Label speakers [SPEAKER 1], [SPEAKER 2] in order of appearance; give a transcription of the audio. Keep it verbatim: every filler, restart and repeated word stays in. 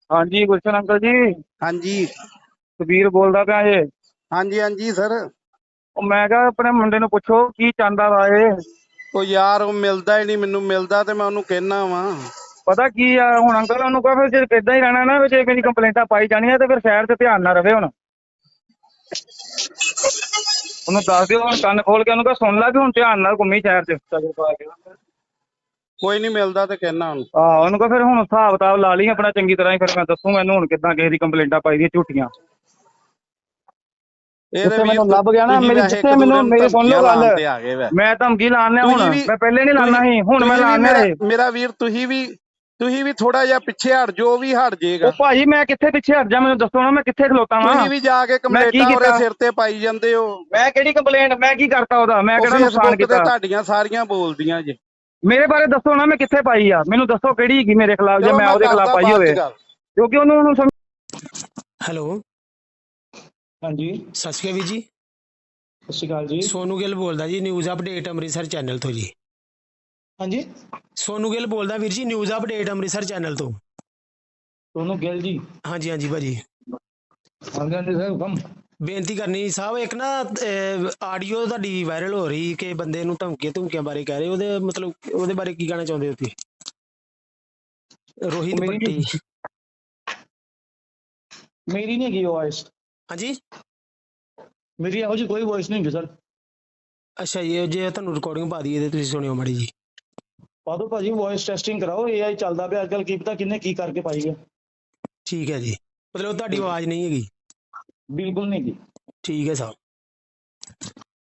[SPEAKER 1] हाँ जी गुलशन अंकल जी।
[SPEAKER 2] हाँ जी
[SPEAKER 1] ਸੁਬੀਰ ਬੋਲਦਾ ਪਿਆ ਜੇ।
[SPEAKER 2] हाँ जी हाँ जी सर।
[SPEAKER 1] ਉਹ ਮੈਂ ਕਿਹਾ ਆਪਣੇ ਮੁੰਡੇ ਨੂੰ ਪੁੱਛੋ ਕੀ ਚਾਹੁੰਦਾ ਵਾ ਇਹ।
[SPEAKER 2] ਉਹ ਯਾਰ ਉਹ ਮਿਲਦਾ ਹੀ ਨਹੀਂ ਮੈਨੂੰ, ਮਿਲਦਾ ਤੇ ਮੈਂ ਉਹਨੂੰ ਕਹਿਣਾ ਵਾ।
[SPEAKER 1] ਪਤਾ ਕੀ ਆ ਹੁਣ ਅੰਕਲ ਉਹਨੂੰ ਕਹੋ ਫਿਰ ਜੇ ਇਦਾਂ ਹੀ ਰਹਿਣਾ ਨਾ ਜੇ ਮੇਰੀ ਕੰਪਲੇਂਟਾਂ ਪਾਈ ਜਾਣੀਆਂ ਤੇ ਫਿਰ ਸ਼ਹਿਰ ਤੇ ਧਿਆਨ ਨਾ ਰਵੇ। ਹੁਣ ਉਹਨੂੰ ਦੱਸ ਦਿਓ, ਹੁਣ ਕੰਨ ਖੋਲ ਕੇ ਉਹਨੂੰ ਕਹੋ ਸੁਣ ਲੈ ਵੀ ਹੁਣ ਧਿਆਨ ਨਾਲ ਘੁੰਮੀ ਸ਼ਹਿਰ ਚ।
[SPEAKER 2] ਕੋਈ ਨਹੀਂ ਮਿਲਦਾ ਤੇ ਕਹਿਣਾ ਉਹਨੂੰ।
[SPEAKER 1] ਆਹ ਉਹਨੂੰ ਕਹੋ ਫਿਰ ਹੁਣ ਹਿਸਾਬ ਕਿਤਾਬ ਲਾ ਲਈ ਆਪਣਾ ਚੰਗੀ ਤਰ੍ਹਾਂ ਹੀ, ਫਿਰ ਮੈਂ ਦੱਸੂਗਾ ਇਹਨੂੰ ਹੁਣ ਕਿੱਦਾਂ ਕਿਸੇ ਦੀ ਕੰਪਲੇਂਟਾਂ ਪਾਈ ਦੀਆਂ ਝੂਠੀਆਂ।
[SPEAKER 2] ਇਹਦੇ
[SPEAKER 1] ਜਿੱਥੇ
[SPEAKER 2] ਵੀਰ
[SPEAKER 1] ਮੈਨੂੰ ਲੱਭ ਗਿਆ ਨਾ
[SPEAKER 2] ਤੁਸੀਂ
[SPEAKER 1] ਮੇਰੀ,
[SPEAKER 2] ਵੈਸੇ
[SPEAKER 1] ਜਿੱਥੇ
[SPEAKER 2] ਇੱਕ
[SPEAKER 1] ਮੈਨੂੰ
[SPEAKER 2] ਦੂਜੇ ਨੂੰ
[SPEAKER 1] ਮੇਰੀ ਸੁਣ ਲਓ
[SPEAKER 2] ਧਮਕੀਆਂ
[SPEAKER 1] ਗੱਲ,
[SPEAKER 2] ਲਾਉਣ ਤੇ ਆ ਗਏ ਵੈ।
[SPEAKER 1] ਮੈਂ ਧਮਕੀ ਲਾਣਾ ਹੁਣ,
[SPEAKER 2] ਤੁਸੀਂ ਵੀ
[SPEAKER 1] ਮੈਂ ਪਹਿਲੇ ਨਹੀਂ ਲਾਣਾ
[SPEAKER 2] ਤੁਸੀਂ
[SPEAKER 1] ਸੀ, ਹੁਣ ਮੈਂ
[SPEAKER 2] ਤੁਸੀਂ ਵੀ
[SPEAKER 1] ਲਾਣਾ
[SPEAKER 2] ਮੇਰਾ
[SPEAKER 1] ਏ।
[SPEAKER 2] ਮੇਰਾ ਵੀਰ ਤੁਸੀਂ ਵੀ ਤੁਸੀਂ ਵੀ ਥੋੜਾ ਜਿਹਾ ਪਿੱਛੇ ਹਟ ਜੋ ਵੀ ਹਟ ਜਾਏਗਾ।
[SPEAKER 1] ਉਹ ਭਾਜੀ ਮੈਂ ਕਿੱਥੇ ਪਿੱਛੇ ਹਟ ਜਾ, ਮੈਨੂੰ ਦੱਸੋ ਨਾ ਮੈਂ ਕਿੱਥੇ ਖਲੋਤਾ ਵਾਂ।
[SPEAKER 2] ਤੁਸੀਂ ਵੀ ਜਾ ਕੇ
[SPEAKER 1] ਮੈਂ ਕੀ
[SPEAKER 2] ਕੰਪਲੇਂਟਾਂ ਉਹਦੇ
[SPEAKER 1] ਕੀਤਾ?
[SPEAKER 2] ਸਿਰ ਤੇ ਪਾਈ ਜਾਂਦੇ ਹੋ।
[SPEAKER 1] ਮੈਂ ਕਿਹੜੀ ਕੰਪਲੇਂਟ, ਮੈਂ ਕੀ ਕਰਤਾ ਉਹਦਾ, ਮੈਂ
[SPEAKER 2] ਉਹ
[SPEAKER 1] ਕਿਹੜਾ ਨੁਕਸਾਨ
[SPEAKER 2] ਫੇਸਬੁੱਕ ਤੇ
[SPEAKER 1] ਕੀਤਾ?
[SPEAKER 2] ਤੁਹਾਡੀਆਂ ਸਾਰੀਆਂ ਬੋਲਦੀਆਂ ਜੇ।
[SPEAKER 1] ਮੇਰੇ ਬਾਰੇ ਦੱਸੋ ਨਾ ਮੈਂ ਕਿੱਥੇ ਪਾਈ ਆ, ਮੈਨੂੰ ਦੱਸੋ ਕਿਹੜੀ ਹੈਗੀ ਮੇਰੇ ਖਿਲਾਫ ਜੇ
[SPEAKER 2] ਚਲੋ
[SPEAKER 1] ਮੈਂ
[SPEAKER 2] ਮੈਂ
[SPEAKER 1] ਉਹਦੇ ਖਿਲਾਫ
[SPEAKER 2] ਕਰਦਾ
[SPEAKER 1] ਪਾਈ
[SPEAKER 2] ਬਾਅਦ
[SPEAKER 1] ਹੋਵੇ,
[SPEAKER 2] ਚ ਗੱਲ।
[SPEAKER 1] ਕਿਉਂਕਿ ਉਹਨੂੰ ਉਹਨੂੰ ਸਮਝ।
[SPEAKER 3] ਹੈਲੋ
[SPEAKER 1] ਹਾਂਜੀ
[SPEAKER 3] ਸਤਿ ਸ਼੍ਰੀ ਅਕਾਲ ਵੀਰ ਜੀ।
[SPEAKER 1] ਸਤਿ ਸ਼੍ਰੀ ਅਕਾਲ ਜੀ।
[SPEAKER 3] ਸੋਨੂ ਗਿੱਲ ਬੋਲਦਾ ਜੀ, ਨਿਊਜ਼ ਅਪਡੇਟ ਅੰਮ੍ਰਿਤਸਰ ਚੈਨਲ ਤੋਂ ਜੀ।
[SPEAKER 1] ਹਾਂਜੀ
[SPEAKER 3] ਸੋਨੂ ਗਿੱਲ ਬੋਲਦਾ ਵੀਰ ਜੀ, ਨਿਊਜ਼ ਅਪਡੇਟ ਅੰਮ੍ਰਿਤਸਰ ਚੈਨਲ ਤੋਂ।
[SPEAKER 1] ਸੋਨੂੰ ਗਿੱਲ ਜੀ।
[SPEAKER 3] ਹਾਂਜੀ ਹਾਂਜੀ ਭਾਜੀ,
[SPEAKER 1] ਹਾਂਜੀ ਹਾਂਜੀ ਸਰ ਹੁਕਮ।
[SPEAKER 3] ਬੇਨਤੀ ਕਰਨੀ ਸਾਹਿਬ, ਇੱਕ ਨਾ ਆਡੀਓ ਤੁਹਾਡੀ ਵਾਇਰਲ ਹੋ ਰਹੀ ਕਿ ਬੰਦੇ ਨੂੰ ਧਮਕੀਆਂ ਧਮਕੀਆਂ ਬਾਰੇ ਕਹਿ ਰਹੇ, ਉਹਦੇ ਮਤਲਬ ਉਹਦੇ ਬਾਰੇ ਕੀ ਕਹਿਣਾ ਚਾਹੁੰਦੇ ਹੋ ਤੁਸੀਂ? ਰੋਹਿਤ
[SPEAKER 1] ਮੇਰੀ
[SPEAKER 3] ਭੱਟੀ।
[SPEAKER 1] ਨਹੀਂ ਮੇਰੀ ਨਹੀਂ ਹੈਗੀ ਵੌਇਸ,
[SPEAKER 3] ਹਾਂਜੀ
[SPEAKER 1] ਮੇਰੀ ਇਹੋ ਜਿਹੀ ਕੋਈ ਵੌਇਸ ਨਹੀਂ ਹੈਗੀ ਸਰ।
[SPEAKER 3] ਅੱਛਾ ਜੀ, ਜੇ ਤੁਹਾਨੂੰ ਰਿਕਾਰਡਿੰਗ ਪਾ ਦਈਏ ਤੇ ਤੁਸੀਂ ਸੁਣਿਓ ਮਾੜੀ ਜੀ।
[SPEAKER 1] ਪਾ ਦਿਓ ਭਾਜੀ, ਵੌਇਸ ਟੈਸਟਿੰਗ ਕਰਾਓ, ਏ ਆਈ ਚੱਲਦਾ ਪਿਆ ਅੱਜ ਕੱਲ, ਕੀ ਪਤਾ ਕਿੰਨੇ ਕੀ ਕਰਕੇ ਪਾਈ ਹੈ।
[SPEAKER 3] ਠੀਕ ਹੈ ਜੀ, ਮਤਲਬ ਤੁਹਾਡੀ ਆਵਾਜ਼ ਨਹੀਂ ਹੈਗੀ।
[SPEAKER 1] ਬਿਲਕੁਲ ਨਹੀਂ ਹੈਗੀ।
[SPEAKER 3] ਠੀਕ ਹੈ ਸਾਹਿਬ।